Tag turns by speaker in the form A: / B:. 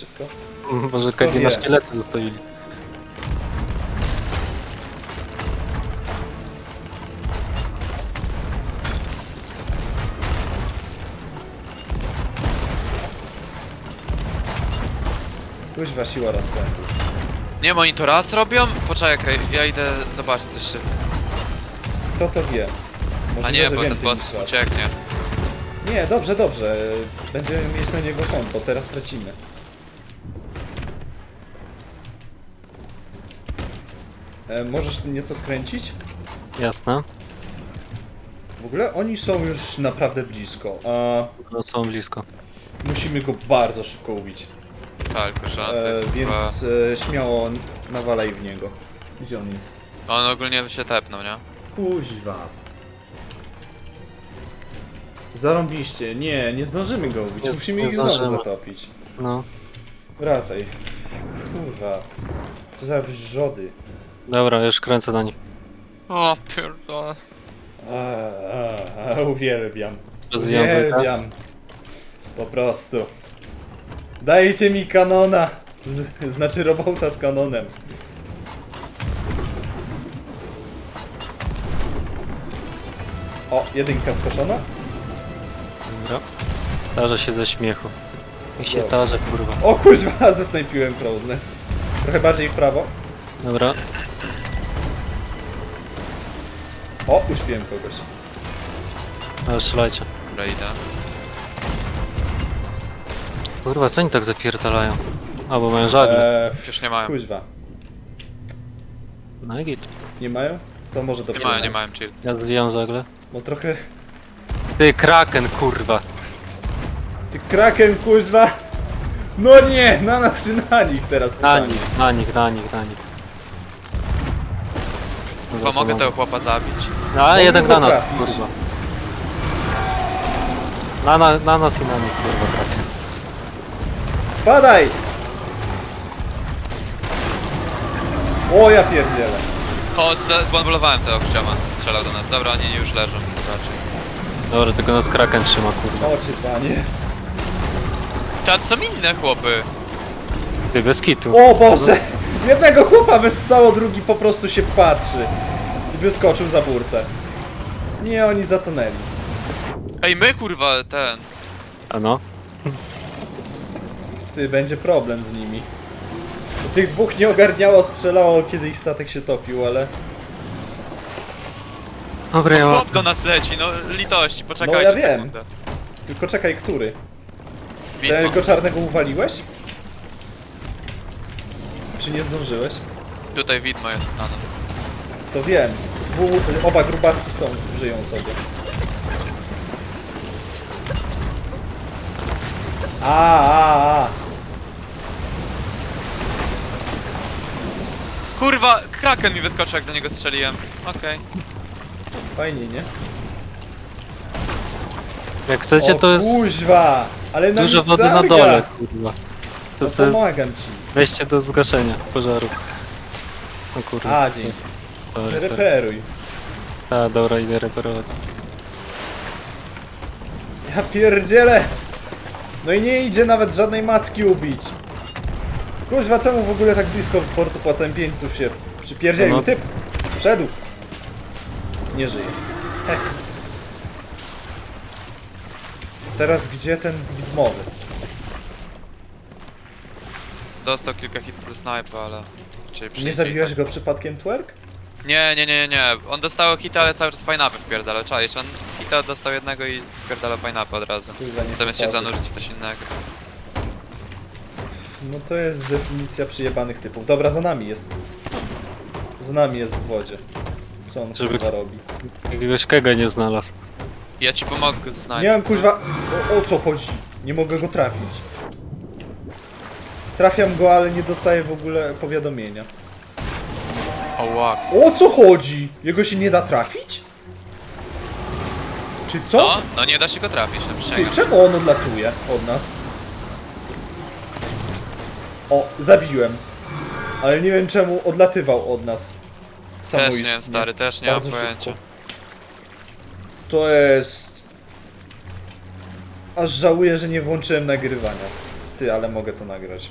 A: szybko.
B: Może KG na szkielety zostawili.
A: Kuźwa siła rozpędu.
C: Nie, oni to raz robią? Poczekaj, ja idę zobaczyć coś szybko.
A: Kto to wie? Możliwe,
C: A nie,
A: że
C: bo ten
A: więcej
C: boss
A: niż raz.
C: ucieknie.
A: Nie, dobrze, dobrze. Będziemy mieć na niego konto, teraz tracimy. Możesz nieco skręcić?
B: Jasne.
A: W ogóle oni są już naprawdę blisko, a
B: No są blisko.
A: musimy go bardzo szybko ubić.
C: Tak, że to jest chyba...
A: Więc śmiało nawalaj w niego. Gdzie on jest?
C: On ogólnie się tepnął, nie?
A: Kuźwa. Zarąbiście. Nie, nie zdążymy go ubić.
B: Nie-
A: Musimy
B: nie
A: ich znowu
B: zdążymy.
A: zatopić.
B: No.
A: Wracaj. Kurwa. Co za wrzody.
B: Dobra, już kręcę na nich.
C: O, pierdolę.
A: Uwielbiam.
B: Rozwijam bryka.
A: Uwielbiam. Po prostu. Dajcie mi kanona. Znaczy robota z kanonem. O, jedynka skoszona?
B: Dobra. Tarza się ze śmiechu. I się tarze, kurwa.
A: O kuźwa, zesnajpiłem Crow's Nest. Trochę bardziej w prawo.
B: Dobra.
A: O, uśpiłem kogoś.
B: Ale strzelajcie.
C: Dobra, idę.
B: Kurwa, co oni tak zapierdalają? A, bo mają żagle.
C: Już nie mają.
A: Kuźwa.
B: No i git.
A: Nie mają? To może
C: Nie
A: dopiero.
C: mają, nie mają, chill.
B: Ja zwijam żagle.
A: Bo trochę...
B: Ty, kraken, kurwa.
A: Ty kraken, kuźwa! No nie! Na nas czy na nich teraz
B: Na
A: pytanie.
B: nich, na nich, na nich, na nich.
C: Chyba mogę tego chłopa zabić.
B: No, a
A: Mogę
B: jednak
A: go
B: na nas,
A: trafić.
B: kurwa. Na nas i na nich, kurwa, kraken.
A: Spadaj! O, ja pierdzielę.
C: O, zbanbolowałem tego ksioma. Strzelał do nas. Dobra, oni już leżą raczej.
B: Dobra, tylko nas kraken trzyma, kurwa.
A: Oczy, panie.
C: Tam są inne chłopy.
B: Ty, bez kitu.
A: O Boże! Jednego chłopa wessało, drugi po prostu się patrzy. I wyskoczył za burtę. Nie, oni zatonęli.
C: Ej, my kurwa, ten.
B: A no?
A: Ty, będzie problem z nimi. Tych dwóch nie ogarniało, strzelało, kiedy ich statek się topił, ale...
B: Dobra, ja
C: Chłop do nas leci, no litości, poczekajcie
A: No ja wiem.
C: sekundę.
A: Tylko czekaj, który?
C: Widmo.
A: Tego czarnego uwaliłeś? Czy nie zdążyłeś?
C: Tutaj widmo jest na nas.
A: To wiem. Oba grubaski są, żyją sobie. A.
C: Kurwa, kraken mi wyskoczył jak do niego strzeliłem. Okej.
A: Fajnie, nie?
B: Jak chcecie, to jest
A: Kuźwa! Ale na
B: dużo
A: mnie
B: wody na
A: targa.
B: dole, kurwa. To
A: No
B: jest
A: pomagam ci.
B: wejście do zgaszenia pożaru. O kurwa.
A: A, dzięki.
B: Sorry, sorry.
A: Reperuj.
B: A, dobra, idę reperować.
A: Ja pierdzielę! No i nie idzie nawet żadnej macki ubić. Kuźwa, czemu w ogóle tak blisko portu potępieńców się przypierdzielił?
B: No.
A: Typ! Wszedł! Nie żyje. Heh. Teraz gdzie ten widmowy?
C: Dostał kilka hitów do snajpa, ale... Czyli
A: Nie
C: przyjdzie
A: zabiłeś
C: i
A: go przypadkiem, Twerk?
C: tak. Nie. On dostał hita, ale cały czas pineapple wpierdala. Czaisz, on z hita dostał jednego i wpierdala pineapple od razu.
A: Kurwa, nie
C: Zamiast się
A: popatrzę.
C: zanurzyć w coś innego.
A: No to jest definicja przyjebanych typów. Dobra, za nami jest. Za nami jest w wodzie. Co on
B: Żeby-
A: kurwa robi?
B: Jakiegoś kega nie znalazł.
C: Ja ci pomogę z snajpą.
A: Nie mam kuźwa... O co chodzi? Nie mogę go trafić. Trafiam go, ale nie dostaję w ogóle powiadomienia.
C: Oła.
A: O co chodzi? Jego się nie da trafić? Czy co?
C: No nie da się go trafić, no
A: Ty,
C: przysięgam.
A: czemu on odlatuje od nas? O, zabiłem. Ale nie wiem czemu odlatywał od nas.
C: Też nie
A: Samoistnie.
C: wiem, stary, też nie mam
A: Bardzo
C: pojęcia.
A: szybko. To jest... Aż żałuję, że nie włączyłem nagrywania. Ty, ale mogę to nagrać.